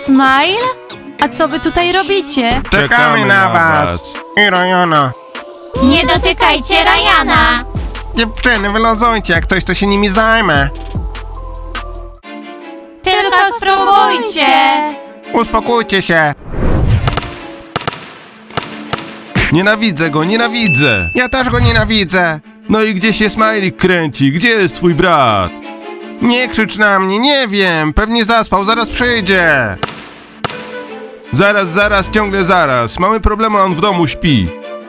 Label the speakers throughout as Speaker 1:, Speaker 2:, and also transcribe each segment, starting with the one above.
Speaker 1: Smile? A co wy tutaj robicie?
Speaker 2: Czekamy na was. I Ryana.
Speaker 1: Nie dotykajcie Ryana!
Speaker 2: Dziewczyny, wylozujcie, jak coś to się nimi zajmę.
Speaker 1: Tylko spróbujcie!
Speaker 2: Uspokójcie się.
Speaker 3: Nienawidzę go, nienawidzę!
Speaker 2: Ja też go nienawidzę.
Speaker 3: No i gdzie się Smajlik kręci? Gdzie jest twój brat?
Speaker 2: Nie krzycz na mnie, nie wiem. Pewnie zaspał, zaraz przyjdzie.
Speaker 3: Zaraz, ciągle zaraz. Mamy problemy, a on w domu śpi.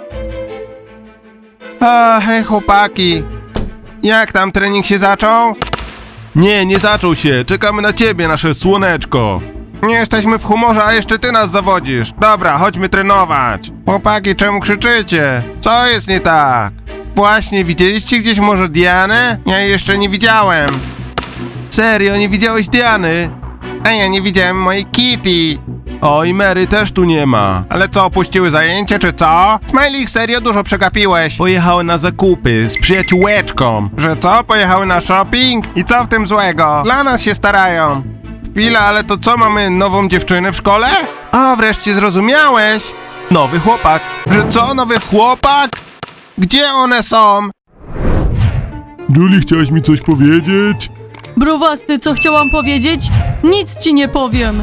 Speaker 2: A, hej chłopaki. Jak tam trening się zaczął?
Speaker 3: Nie zaczął się. Czekamy na ciebie, nasze słoneczko.
Speaker 2: Nie jesteśmy w humorze, a jeszcze ty nas zawodzisz. Dobra, chodźmy trenować. Chłopaki, czemu krzyczycie? Co jest nie tak? Właśnie, widzieliście gdzieś może Dianę? Ja jej jeszcze nie widziałem.
Speaker 3: Serio, nie widziałeś Diany?
Speaker 2: A ja nie widziałem mojej Kitty.
Speaker 3: O, i Mary też tu nie ma.
Speaker 2: Ale co, opuściły zajęcie, czy co? Smajlik, serio dużo przegapiłeś.
Speaker 3: Pojechały na zakupy z przyjaciółeczką.
Speaker 2: Że co, pojechały na shopping? I co w tym złego? Dla nas się starają. Chwila, ale to co, mamy nową dziewczynę w szkole? A, wreszcie zrozumiałeś.
Speaker 3: Nowy chłopak.
Speaker 2: Że co, nowy chłopak? Gdzie one są?
Speaker 3: Julie, chciałaś mi coś powiedzieć?
Speaker 1: Browasty, co chciałam powiedzieć? Nic ci nie powiem.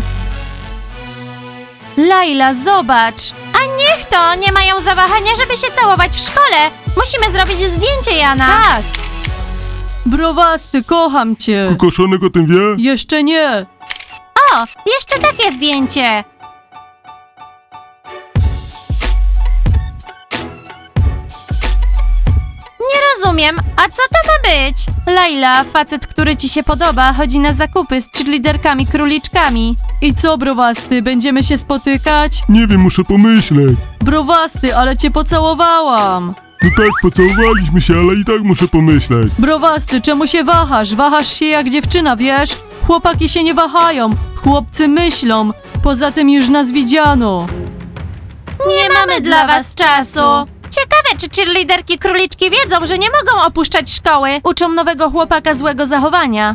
Speaker 1: Laila, zobacz! A niech to! Nie mają zawahania, żeby się całować w szkole! Musimy zrobić zdjęcie, Jana! Tak! Browasty, kocham cię!
Speaker 3: Kokoszonek o tym wie?
Speaker 1: Jeszcze nie! O! Jeszcze takie zdjęcie! Nie rozumiem, a co to ma być? Laila, facet, który ci się podoba, chodzi na zakupy z cheerleaderkami króliczkami. I co, Browasty, będziemy się spotykać?
Speaker 3: Nie wiem, muszę pomyśleć.
Speaker 1: Browasty, ale cię pocałowałam!
Speaker 3: No tak, pocałowaliśmy się, ale i tak muszę pomyśleć.
Speaker 1: Browasty, czemu się wahasz? Wahasz się jak dziewczyna, wiesz? Chłopaki się nie wahają, chłopcy myślą. Poza tym już nas widziano. Nie mamy dla was czasu. Ciekawe, czy cheerleaderki króliczki wiedzą, że nie mogą opuszczać szkoły. Uczą nowego chłopaka złego zachowania.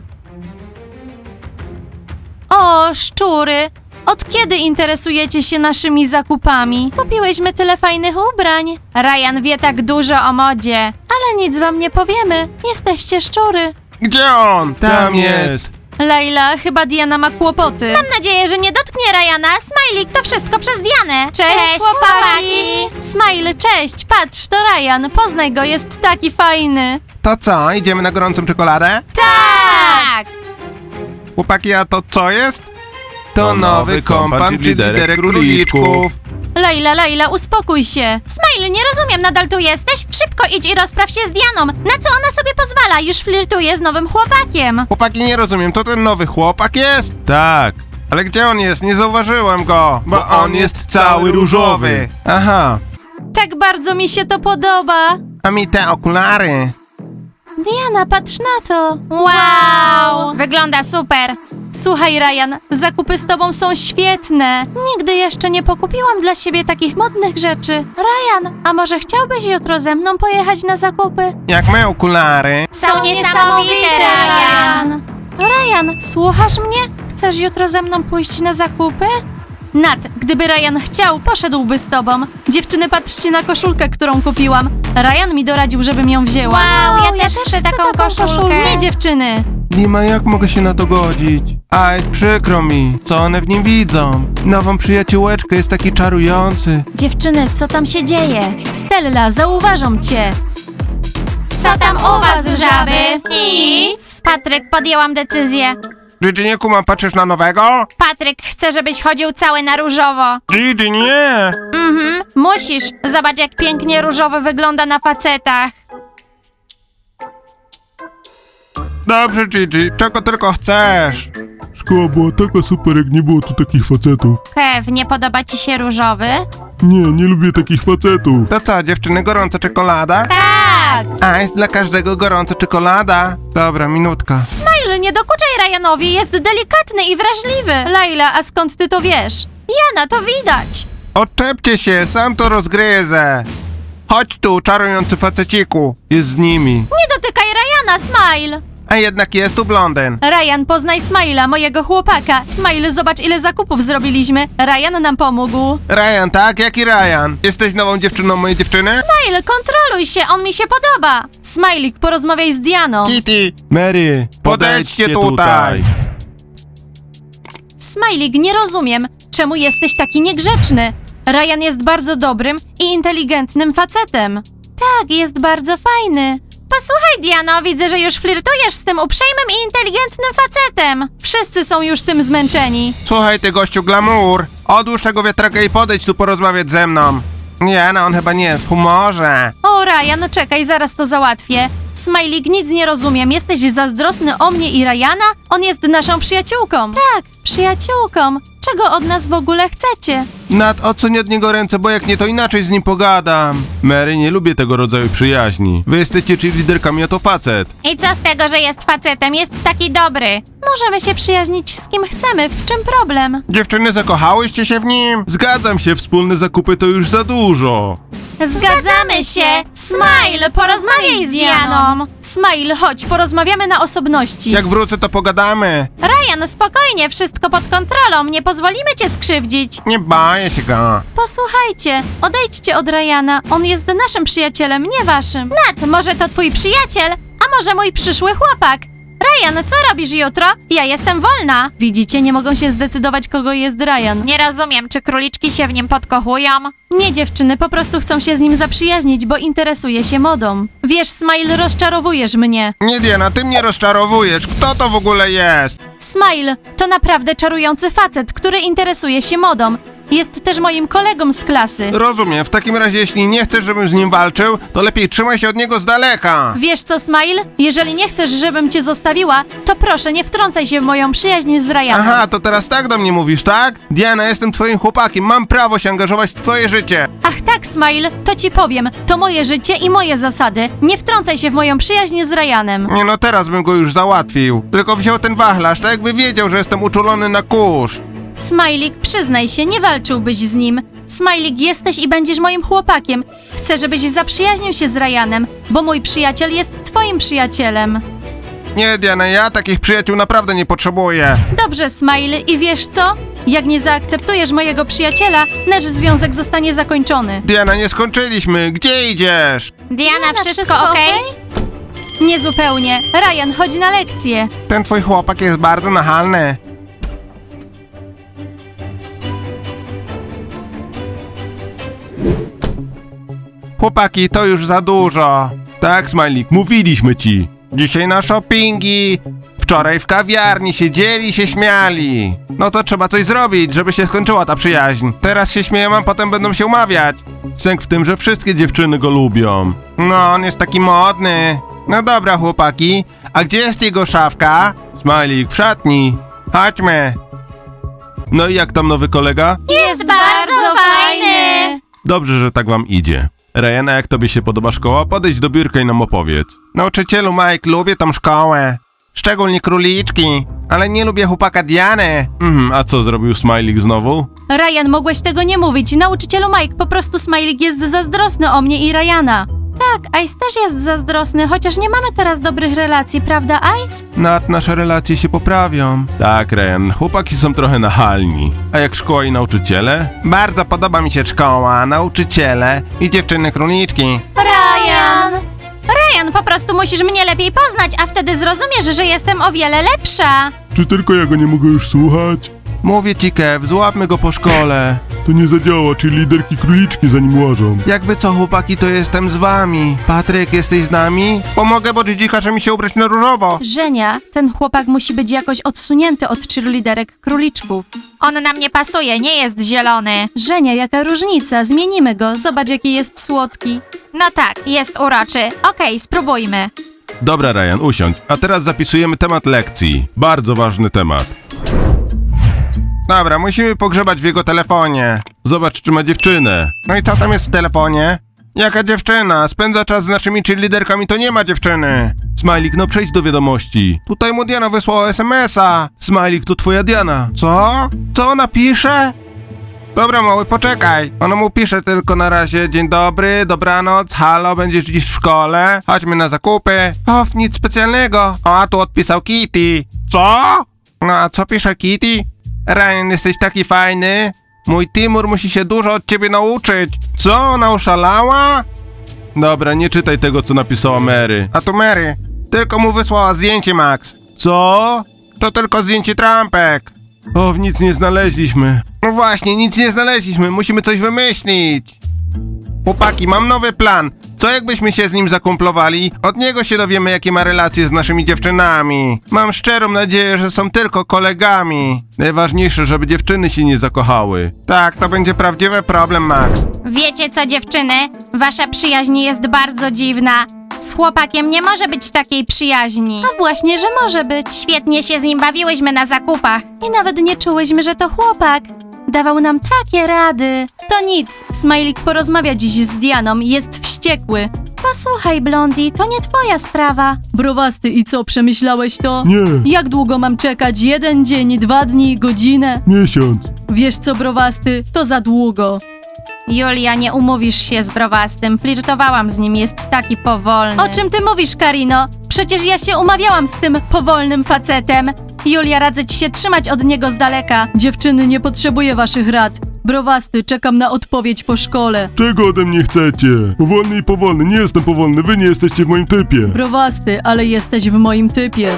Speaker 1: O, szczury! Od kiedy interesujecie się naszymi zakupami? Kupiłyśmy tyle fajnych ubrań. Ryan wie tak dużo o modzie. Ale nic wam nie powiemy. Jesteście szczury.
Speaker 2: Gdzie on? Tam jest.
Speaker 1: Laila, chyba Diana ma kłopoty. Mam nadzieję, że nie dotknie Ryana. Smajlik, to wszystko przez Dianę. Cześć chłopaki! Smile, cześć. Patrz, to Ryan. Poznaj go, jest taki fajny.
Speaker 2: To co, idziemy na gorącą czekoladę?
Speaker 1: Tak!
Speaker 2: Chłopaki, a to co jest?
Speaker 3: To nowy kompan liderek króliczków.
Speaker 1: Laila, uspokój się. Smile, nie rozumiem, nadal tu jesteś? Szybko idź i rozpraw się z Dianą. Na co ona sobie pozwala? Już flirtuje z nowym chłopakiem.
Speaker 2: Chłopaki, nie rozumiem, to ten nowy chłopak jest?
Speaker 3: Tak,
Speaker 2: Ale gdzie on jest? Nie zauważyłem go.
Speaker 3: bo on jest cały różowy.
Speaker 2: Aha,
Speaker 1: Tak bardzo mi się to podoba.
Speaker 2: a mi te okulary.
Speaker 1: Diana, patrz na to. Wow! Wygląda super. Słuchaj, Ryan, zakupy z tobą są świetne. Nigdy jeszcze nie pokupiłam dla siebie takich modnych rzeczy. Ryan, a może chciałbyś jutro ze mną pojechać na zakupy?
Speaker 2: Jak moje okulary.
Speaker 1: Są niesamowite, Ryan. Ryan, słuchasz mnie? Chcesz jutro ze mną pójść na zakupy? Nat, gdyby Ryan chciał, poszedłby z tobą. Dziewczyny, patrzcie na koszulkę, którą kupiłam. Ryan mi doradził, żebym ją wzięła.
Speaker 4: Wow, ja też chcę taką koszulkę.
Speaker 1: Nie, dziewczyny.
Speaker 2: Dima, jak mogę się na to godzić? A, jest przykro mi. Co one w nim widzą? Nową przyjaciółeczkę, jest taki czarujący.
Speaker 1: Dziewczyny, co tam się dzieje? Stella, zauważą cię.
Speaker 4: Co tam u was, żaby?
Speaker 1: Nic. Patryk, podjęłam decyzję.
Speaker 2: Gigi, nie kumam, patrzysz na nowego?
Speaker 1: Patryk chce, żebyś chodził cały na różowo.
Speaker 2: Gigi, nie!
Speaker 1: Musisz. Zobacz, jak pięknie różowy wygląda na facetach.
Speaker 2: Dobrze, Gigi, czego tylko chcesz.
Speaker 3: Szkoła była taka super, jak nie było tu takich facetów.
Speaker 1: Kev, nie podoba ci się różowy?
Speaker 3: Nie lubię takich facetów.
Speaker 2: To co, dziewczyny, gorąca czekolada?
Speaker 1: Tak.
Speaker 2: A, jest dla każdego gorąca czekolada. Dobra, minutka.
Speaker 1: Smile, nie dokuczaj Ryanowi, jest delikatny i wrażliwy. Laila, a skąd ty to wiesz? Jana, to widać.
Speaker 2: Odczepcie się, sam to rozgryzę. Chodź tu, czarujący faceciku.
Speaker 3: Jest z nimi.
Speaker 1: Nie dotykaj Ryana, Smile.
Speaker 2: a jednak jest tu blondyn.
Speaker 1: Ryan, poznaj Smile'a, mojego chłopaka. Smile, zobacz ile zakupów zrobiliśmy. Ryan nam pomógł.
Speaker 2: Ryan, tak? Jaki Ryan? Jesteś nową dziewczyną mojej dziewczyny?
Speaker 1: Smile, kontroluj się, on mi się podoba. Smajlik, porozmawiaj z Dianą.
Speaker 2: Kitty,
Speaker 3: Mary,
Speaker 2: podejdźcie tutaj.
Speaker 1: Smajlik, nie rozumiem, czemu jesteś taki niegrzeczny. Ryan jest bardzo dobrym i inteligentnym facetem. Tak, jest bardzo fajny. Posłuchaj, Diano, widzę, że już flirtujesz z tym uprzejmym i inteligentnym facetem. Wszyscy są już tym zmęczeni.
Speaker 2: Słuchaj ty gościu glamour, odłóż tego wiatraka i podejdź tu porozmawiać ze mną. Nie, no on chyba nie jest w humorze.
Speaker 1: O, Ryan, czekaj, zaraz to załatwię. Smajlik, nic nie rozumiem. Jesteś zazdrosny o mnie i Ryana? On jest naszą przyjaciółką. Tak, przyjaciółką. Czego od nas w ogóle chcecie?
Speaker 2: Nat, odsuń od niego ręce, bo jak nie, to inaczej z nim pogadam.
Speaker 3: Mary, nie lubię tego rodzaju przyjaźni. Wy jesteście cheerleaderkami, a to facet.
Speaker 4: I co z tego, że jest facetem? Jest taki dobry.
Speaker 1: Możemy się przyjaźnić z kim chcemy. W czym problem?
Speaker 2: Dziewczyny, zakochałyście się w nim?
Speaker 3: Zgadzam się, wspólne zakupy to już za dużo.
Speaker 1: Zgadzamy się! Smile, porozmawiaj z Dianą! Smile, chodź, porozmawiamy na osobności.
Speaker 2: Jak wrócę, to pogadamy.
Speaker 1: Ryan, spokojnie, wszystko pod kontrolą, nie pozwolimy cię skrzywdzić.
Speaker 2: Nie boję się go.
Speaker 1: Posłuchajcie, odejdźcie od Ryana, on jest naszym przyjacielem, nie waszym. Nat, może to twój przyjaciel, a może mój przyszły chłopak. Ryan, co robisz jutro? Ja jestem wolna. Widzicie, nie mogą się zdecydować, kogo jest Ryan.
Speaker 4: Nie rozumiem, czy króliczki się w nim podkochują?
Speaker 1: Nie, dziewczyny, po prostu chcą się z nim zaprzyjaźnić, bo interesuje się modą. Wiesz, Smile, rozczarowujesz mnie.
Speaker 2: Nie, Diana, ty mnie rozczarowujesz. Kto to w ogóle jest?
Speaker 1: Smile to naprawdę czarujący facet, który interesuje się modą. Jest też moim kolegą z klasy.
Speaker 2: Rozumiem, w takim razie jeśli nie chcesz, żebym z nim walczył, to lepiej trzymaj się od niego z daleka.
Speaker 1: Wiesz co, Smile? Jeżeli nie chcesz, żebym cię zostawiła, to proszę nie wtrącaj się w moją przyjaźń z Ryanem.
Speaker 2: Aha, to teraz tak do mnie mówisz, tak? Diana, jestem twoim chłopakiem, mam prawo się angażować w twoje życie.
Speaker 1: Ach tak, Smile, to ci powiem. To moje życie i moje zasady. Nie wtrącaj się w moją przyjaźń z Ryanem.
Speaker 2: Nie no, teraz bym go już załatwił. Tylko wziął ten wachlarz, tak jakby wiedział, że jestem uczulony na kurz.
Speaker 1: Smajlik, przyznaj się, nie walczyłbyś z nim. Smajlik, jesteś i będziesz moim chłopakiem. Chcę, żebyś zaprzyjaźnił się z Ryanem, bo mój przyjaciel jest twoim przyjacielem.
Speaker 2: Nie, Diana, ja takich przyjaciół naprawdę nie potrzebuję.
Speaker 1: Dobrze, Smile, i wiesz co? Jak nie zaakceptujesz mojego przyjaciela, nasz związek zostanie zakończony.
Speaker 2: Diana, nie skończyliśmy. Gdzie idziesz?
Speaker 4: Diana, wszystko okej?
Speaker 1: Niezupełnie. Ryan, chodź na lekcję.
Speaker 2: Ten twój chłopak jest bardzo nachalny. Chłopaki, to już za dużo.
Speaker 3: Tak, Smajlik, mówiliśmy ci.
Speaker 2: Dzisiaj na shoppingi. Wczoraj w kawiarni siedzieli i się śmiali. No to trzeba coś zrobić, żeby się skończyła ta przyjaźń. Teraz się śmieją, a potem będą się umawiać.
Speaker 3: Sęk w tym, że wszystkie dziewczyny go lubią.
Speaker 2: No, on jest taki modny. No dobra, chłopaki. A gdzie jest jego szafka?
Speaker 3: Smajlik, w szatni.
Speaker 2: Chodźmy.
Speaker 3: No i jak tam nowy kolega?
Speaker 4: Jest bardzo fajny.
Speaker 3: Dobrze, że tak wam idzie. Ryana, jak tobie się podoba szkoła? Podejdź do biurka i nam opowiedz.
Speaker 2: Nauczycielu Mike, lubię tą szkołę. Szczególnie króliczki. Ale nie lubię chłopaka Diany.
Speaker 3: A co zrobił Smajlik znowu?
Speaker 1: Ryan, mogłeś tego nie mówić. Nauczycielu Mike, po prostu Smajlik jest zazdrosny o mnie i Ryana. Tak, Ice też jest zazdrosny, chociaż nie mamy teraz dobrych relacji, prawda, Ice?
Speaker 3: Nad nasze relacje się poprawią. Tak, Ryan, chłopaki są trochę nachalni. A jak szkoła i nauczyciele?
Speaker 2: Bardzo podoba mi się szkoła, nauczyciele i dziewczyny króliczki.
Speaker 1: Ryan!
Speaker 4: Ryan, po prostu musisz mnie lepiej poznać, a wtedy zrozumiesz, że jestem o wiele lepsza.
Speaker 3: Czy tylko ja go nie mogę już słuchać?
Speaker 2: Mówię ci, Kev, złapmy go po szkole.
Speaker 3: To nie zadziała, czyli liderki króliczki za nim łażą.
Speaker 2: Jakby co, chłopaki, to jestem z wami. Patryk, jesteś z nami? Pomogę, bo Gigi każe mi się ubrać na różowo.
Speaker 1: Żenia, ten chłopak musi być jakoś odsunięty od cheerleaderek króliczków.
Speaker 4: On nam nie pasuje, nie jest zielony.
Speaker 1: Żenia, jaka różnica? Zmienimy go, zobacz jaki jest słodki.
Speaker 4: No tak, jest uroczy. Okej, spróbujmy.
Speaker 3: Dobra, Ryan, usiądź. A teraz zapisujemy temat lekcji. Bardzo ważny temat.
Speaker 2: Dobra, musimy pogrzebać w jego telefonie.
Speaker 3: Zobacz, czy ma dziewczynę.
Speaker 2: No i co tam jest w telefonie? Jaka dziewczyna? Spędza czas z naszymi cheerleaderkami, to nie ma dziewczyny.
Speaker 3: Smajlik, no przejdź do wiadomości.
Speaker 2: Tutaj mu Diana wysłała SMS-a.
Speaker 3: Smajlik, to twoja Diana.
Speaker 2: Co? Co ona pisze? Dobra, mały, poczekaj. Ona mu pisze tylko na razie dzień dobry, dobranoc, halo, będziesz dziś w szkole? Chodźmy na zakupy. O, nic specjalnego. O, a tu odpisał Kitty. Co? No, a co pisze Kitty? Ryan, jesteś taki fajny. Mój Timur musi się dużo od ciebie nauczyć. Co, ona oszalała?
Speaker 3: Dobra, nie czytaj tego, co napisała Mary.
Speaker 2: A tu Mary. Tylko mu wysłała zdjęcie, Max.
Speaker 3: Co?
Speaker 2: To tylko zdjęcie trampek.
Speaker 3: O, nic nie znaleźliśmy.
Speaker 2: No właśnie, nic nie znaleźliśmy, musimy coś wymyślić. Chłopaki, mam nowy plan. Co jakbyśmy się z nim zakumplowali? Od niego się dowiemy, jakie ma relacje z naszymi dziewczynami. Mam szczerą nadzieję, że są tylko kolegami.
Speaker 3: Najważniejsze, żeby dziewczyny się nie zakochały.
Speaker 2: Tak, to będzie prawdziwy problem, Max.
Speaker 4: Wiecie co, dziewczyny? Wasza przyjaźń jest bardzo dziwna. Z chłopakiem nie może być takiej przyjaźni.
Speaker 1: A właśnie, że może być.
Speaker 4: Świetnie się z nim bawiłyśmy na zakupach.
Speaker 1: I nawet nie czułyśmy, że to chłopak. Dawał nam takie rady. To nic, Smajlik porozmawia dziś z Dianą, jest wściekły. Posłuchaj, Blondie, to nie twoja sprawa. Browasty, i co, przemyślałeś to?
Speaker 3: Nie,
Speaker 1: Jak długo mam czekać? 1 dzień, 2 dni, godzinę?
Speaker 3: miesiąc.
Speaker 1: Wiesz co, Browasty, to za długo.
Speaker 4: Julia, nie umówisz się z Browastym. Flirtowałam z nim, jest taki powolny.
Speaker 1: O czym ty mówisz, Karino? Przecież ja się umawiałam z tym powolnym facetem. Julia, radzę ci się trzymać od niego z daleka. Dziewczyny, nie potrzebuję waszych rad. Browasty, czekam na odpowiedź po szkole.
Speaker 3: Czego ode mnie chcecie? Powolny i powolny, nie jestem powolny, wy nie jesteście w moim typie.
Speaker 1: Browasty, ale jesteś w moim typie.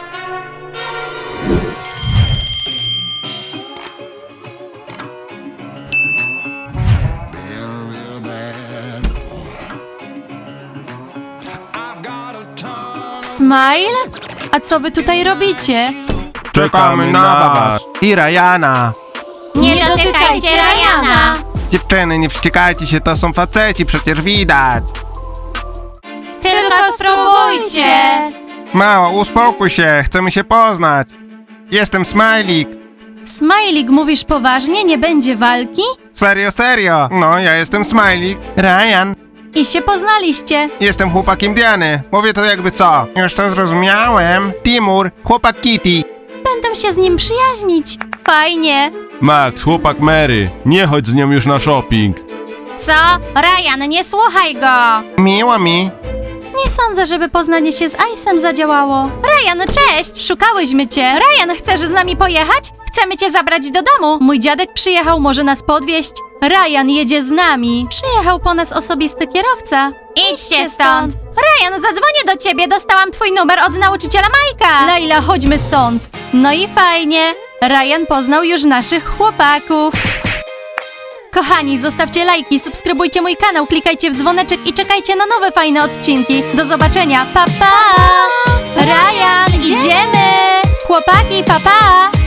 Speaker 1: Smile? A co wy tutaj robicie?
Speaker 2: Czekamy na was. I Ryana.
Speaker 4: Nie dotykajcie Ryana!
Speaker 2: Dziewczyny, nie wściekajcie się, to są faceci, przecież widać.
Speaker 4: Tylko spróbujcie!
Speaker 2: Mała, uspokój się, chcemy się poznać. Jestem Smajlik.
Speaker 1: Smajlik, mówisz poważnie? Nie będzie walki?
Speaker 2: Serio, serio. No, ja jestem Smajlik. Ryan.
Speaker 1: I się poznaliście.
Speaker 2: Jestem chłopakiem Diany. Mówię to jakby co. Już to zrozumiałem. Timur, chłopak Kitty.
Speaker 1: Będę się z nim przyjaźnić. Fajnie.
Speaker 3: Max, chłopak Mary, nie chodź z nią już na shopping.
Speaker 4: Co? Ryan, nie słuchaj go!
Speaker 2: Miło mi.
Speaker 1: Nie sądzę, żeby poznanie się z Ice'em zadziałało.
Speaker 4: Ryan, cześć!
Speaker 1: Szukałyśmy cię.
Speaker 4: Ryan, chcesz z nami pojechać? Chcemy cię zabrać do domu.
Speaker 1: Mój dziadek przyjechał, może nas podwieźć. Ryan jedzie z nami. Przyjechał po nas osobisty kierowca.
Speaker 4: Idźcie stąd! Ryan, zadzwonię do ciebie, dostałam twój numer od nauczyciela Majka!
Speaker 1: Laila, chodźmy stąd. No i fajnie. Ryan poznał już naszych chłopaków. Kochani, zostawcie lajki, subskrybujcie mój kanał, klikajcie w dzwoneczek i czekajcie na nowe fajne odcinki. Do zobaczenia, pa pa! Ryan, idziemy! Chłopaki, pa pa!